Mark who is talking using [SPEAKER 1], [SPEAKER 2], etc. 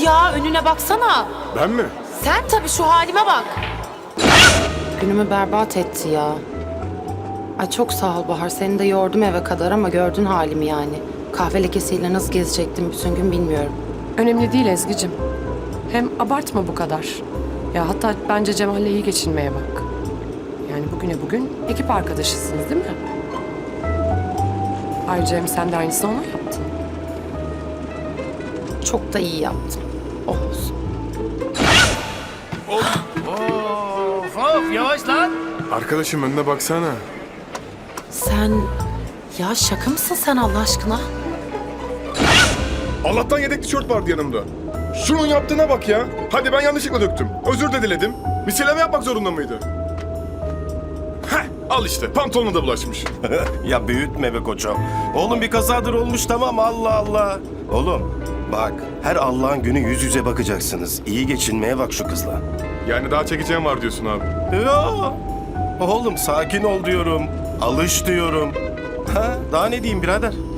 [SPEAKER 1] ya, önüne baksana.
[SPEAKER 2] Ben mi?
[SPEAKER 1] Sen tabii, şu halime bak. Günümü berbat etti ya. Ay çok sağ ol Bahar. Seni de yordum eve kadar ama gördün halimi yani. Kahve lekesiyle nasıl gezecektim bütün gün bilmiyorum.
[SPEAKER 3] Önemli değil Ezgi'cim. Hem abartma bu kadar. Ya hatta bence Cemal'le iyi geçinmeye bak. Yani bugüne bugün ekip arkadaşısınız değil mi? Ayrıca hem sen de aynısını ona yaptın.
[SPEAKER 1] Çok da iyi yaptım. Oh olsun.
[SPEAKER 4] Of yavaş lan.
[SPEAKER 2] Arkadaşım önüne baksana.
[SPEAKER 1] Sen... Ya şaka mısın sen Allah aşkına?
[SPEAKER 2] Allah'tan yedek tişört vardı yanımda. Şunun yaptığına bak ya. Hadi ben yanlışlıkla döktüm. Özür de diledim. Misilleme yapmak zorunda mıydı? Heh, al işte. Pantolonuna da bulaşmış.
[SPEAKER 5] Ya büyütme be koçum. Oğlum bir kazadır olmuş tamam Allah Allah. Oğlum bak her Allah'ın günü yüz yüze bakacaksınız. İyi geçinmeye bak şu kızla.
[SPEAKER 2] Yani daha çekeceğim var diyorsun abi.
[SPEAKER 5] Ya oğlum sakin ol diyorum. Alış diyorum. Ha, daha ne diyeyim birader?